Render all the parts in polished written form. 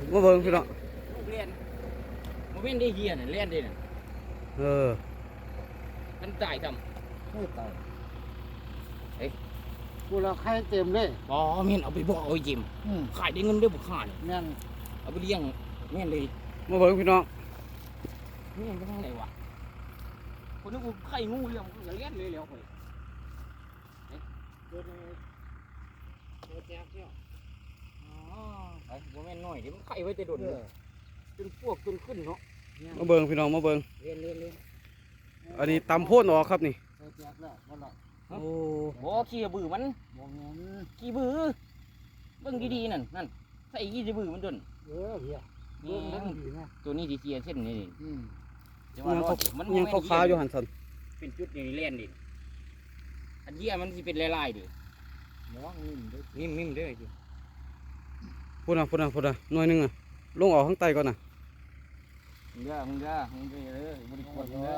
มาเบิ่งพี่น้องเรียนมันเป็นได้เฮียน่ะเรียนได้น่ะมันตายทำไม่ตายกูเราใครเต็มเลยอ๋อแม่นเอาไปบ่เอาจิมขายได้เงินได้บุกขาเนี่ยแม่นเอาไปเลี้ยงแม่นเลยมาเบิ่งพี่น้องแม่นไปทางไหนวะคนนึกว่าไข่งูเลี้ยงก็เลี้ยงเลยแล้วคนตัวแจ๊กเนี่ยอ๋อไอ้บ่แม่นน้อยเดี๋ยวมันไข่ไว้แต่โดนจนพวกจนขึ้นเนาะมาเบิ่งพี่น้องมาเบิ่งเรียนอันนี้ตำโพ่นออกครับนี่ตัวแจ๊กแล้วมันละโอ้บ่ขี้บือมันมองเงินขี้บือเบิ่งดีๆนั่นใส่ขี้บือมันจนเฮียเรื่องนั้นดีนะตัวนี้ดีเสียเส้นนี่อืมจังหวะรอดมันยังขาวๆอยู่หันสันเป็นจุดนี่เล่นดิอันเยี่ยมันสิเป็นลายๆดิมองเงินด้วยนิ่มๆเด้อจิพูดนะหน่วยหนึงอ่ะลงออกข้างใต้ก่อนน่ะมึงเด้อเลยบริโภคเด้อ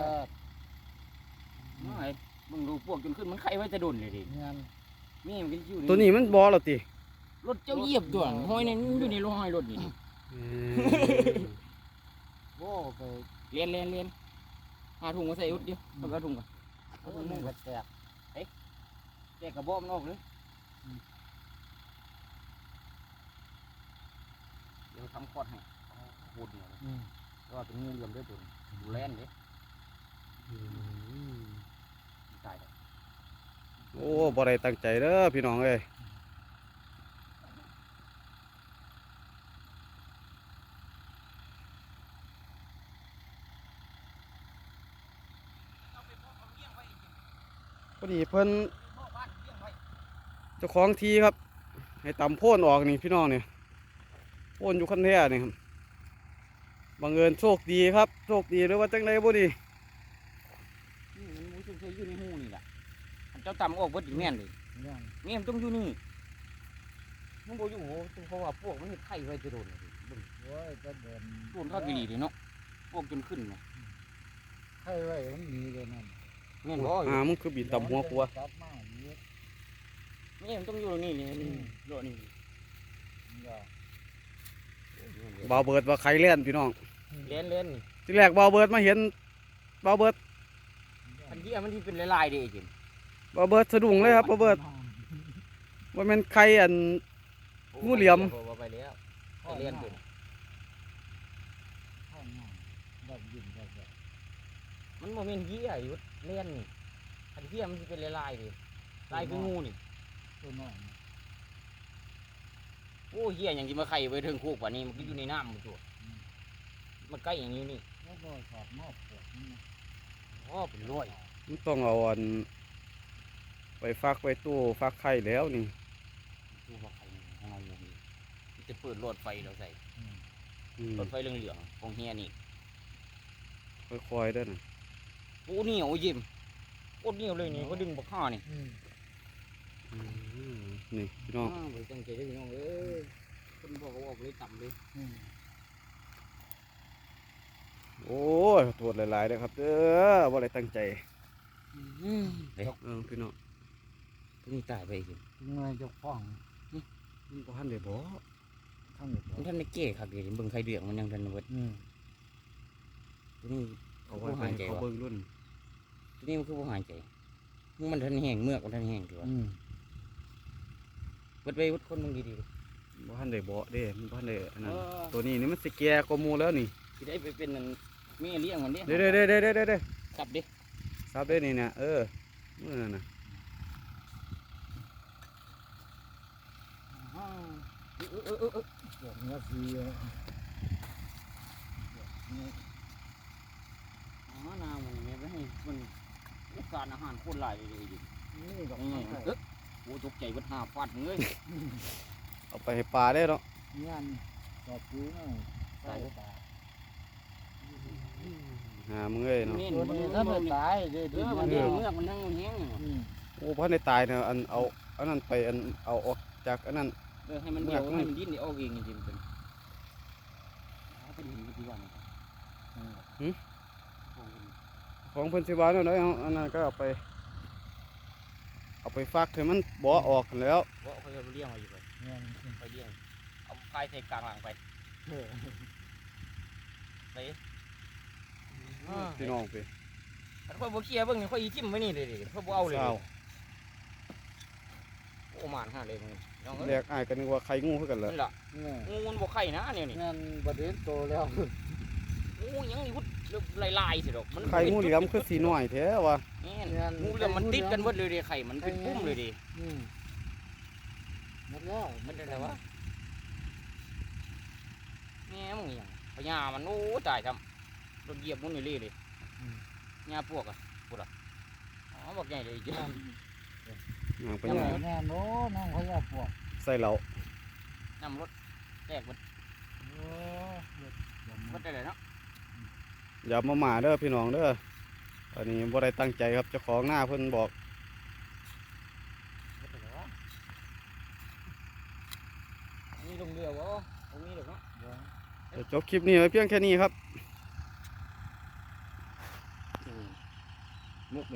ไม่มึงดูพวกจนขึ้นมันไข่ไว้จะโดนเลยดิเงินนี่มันก็อยู่ตัวนี้มันบ่แล้วติรถเจ้าเหยียบตัวห้อยนี่อยู่ในรถห้อยรถนี่โว้ไปเรียนหาถุงมาใส่อุดเดียวเอากระถุงก่อนเอาตัวนี้ก็แตกแจกกระบอกมันออกเลยเดี๋ยวทำคอดให้พูดเนี่ยก็เป็นงูเหลี่ยมด้วยตัวดูแลนเลยตายเลยโอ้บ่ได้ตั้งใจเด้อพี่น้องเอ้ยพอดีเพิ่นเจ้าของทีครับให้ตำโพ่นออกนี่พี่น้องเนี่ยโพ่นอยู่ขั้นแท้นี่ครับบังเอิญโชคดีครับโชคดีหรือว่าจังไดบ่ดีนี่มันมูช่วยอยู่ในหูนี่แหละเจ้าต่ำออกเบิดอีกแม่นเลยเงินแม่มันต้องอยู่นี่มันบ่อยู่โหเพราะว่าพวกมันเห็ดไข่ไว้จะโดนเลยเบิ่งโว้ยจะเดินโดนข้าวดีเลยเนาะพวกจนขึ้นเนาะใครไว้มันมีเลยนั่นแม่นบ่มึงคือบินตำหัวปัวจับมาอย่างนี้แม่มันต้องอยู่ตรงนี้เลยโดดนี่บ่าวเบิดว่าใครเล่นพี่น้องเล่นนี่ที่แรกบ่าวเบิดมาเห็นบ่าวเบิดอันที่มันที่เป็นลายๆเด้จริงบ่าวเบิดสะดุ้งเลยครับบ่าวเบิดว่าแม่นใครอัน งูเหลี่ยมไปแล้วไปเล่นเป็นข้างหน้าดับยินดับแบบมันโมเมนต์เหี้ยอยู่เล่นนี่อันเหี้ยมันที่เป็นลายๆดิลายคืองูนี่ตัวน้อยโอ้เหี้ยอย่างที่มาไข่ไว้ถึงคุกกว่านี้มันก็อยู่ในน้ำมันตัวมันใกล้อย่างนี้นี่แล้วก็สอบนอกปวดนี่นะอ๋อเป็นร้อยมันต้องเอาอันไปฟักไว้ตู้ฟักไข่แล้วนี่ดูว่าไข่ของเราอยู่นี่มันจะเปิดหลอดไฟเราใส่อืมหลอดไฟเหลืองๆของเฮียนี่ค่อยๆเด้อน่ะโอ้เหนียวยิ้มโคตรเหนียวเลยนี่ก็ดึงบักข้านี่นี่พี่น้องไปจังใจได้พี่น้องเอ้ยคนบอกว่าออกเลยต่ำเลยโอ้ยโทษหลายๆเด้อครับเด้อบ่ได้ตั้งใจเฮ้ยพี่น้องตัวนี้ตายไปอีกเงยจะฟ้องมันบ่ทันได้บ่ทั้งหมดมันท่านได้เก้ครับเดี๋ยวเบิ่งไข่เดือดมันยังทันเบิดตัวนี้เอาไว้ไปให้เขาเบิ่งรุ่นตัวนี้มันคือบ่หายใจมันทันแห้งเมือกมันทันแห้งตัวเบิดไปเบิดคนมึงดีบ่ทันได้บ่เด้มันบ่ทันได้อันๆนั้นตัวนี้นี่มันสิแก่กว่าหมู่แล้วนี่สิได้ไปเป็นนั่นแม่เลี้ยงมันเด้เด้ๆกลับเด้ซับได้นี่เนี่ยมื้อนั้นน่ะปวดเนื้อฟีน้ำมันเนี่ยไปให้มันการอาหารโคตรหลายเลยดินี่ดอกโอ้ตกใจเบิดหาฟาดเลยเอาไปให้ปลาได้เนาะงานสอบซื้อน่ะใส่ตาหามึงเอ้ยเนาะตัวนี้ถ้าไม่ตายเลยมันเลี้ยงเมือกมันนั่งแห้งโอ้บ่ทันได้ตายเนี่ยอันเอาอันนั้นไปอันเอาออกจากอันนั้นให้มันเดี่ยวให้มันดิ้นได้ออกเองจริงๆเป็นเป็นที่ว่าของเพิ่นสิว่าเนาะเอาอันนั้นก็เอาไปฟักให้มันบ่ออกแล้วเพราะเขาจะเลี้ยงมาอยู่ไปงานไปเลี้ยงเอาไฟใส่กลางหลังไปไปพี่น้องไปอันค่อยบ่เคลียร์เบิ่งนี่ค่อยอีทิ่มไว้นี่เลยดิค่อยบ่เอาเลยเศร้าโอ้มานหาเลยมึงน้องเอ้แรยกอ้ายก็นึกว่าไข่งูคือกันแหละนี่ล่ะเนี่ยงูมันบ่ไข่นะเนี่ยนี่งานประเด็นโตแล้วงูยังนี่พุดลายๆสิดอกมันไข่งูเหลี่ยมคือสีน้อยแท้ว่ะแม่นงูเหลี่ยมมันติดกันหมดเลยดิไข่มันเป็นปุ้มเลยดิหมดแล้วมันเป็นอะไรวะแม่มึงยังพญามันโอ้ตายทำรถเหยียบมันนี่เลยหญ้าพวกอ่ะพูดอ่ะอ๋อบอกใหญ่เลยจ้ะย่างไปแน่ย่างแน่โน้น้องเขาอยากปวกใส่เหล้าน้ำรถแตกหมดโอ้เด็ดหมดได้เลยเนาะอย่ามาหมาเด้อพี่น้องเด้ออันนี้บ่ได้ตั้งใจครับเจ้าของหน้าเพิ่นบอกหมดได้เลยวะมีลงเรือวะตรงนี้เด็กเนาะจะจบคลิปนี้ไว้เพียงแค่นี้ครับ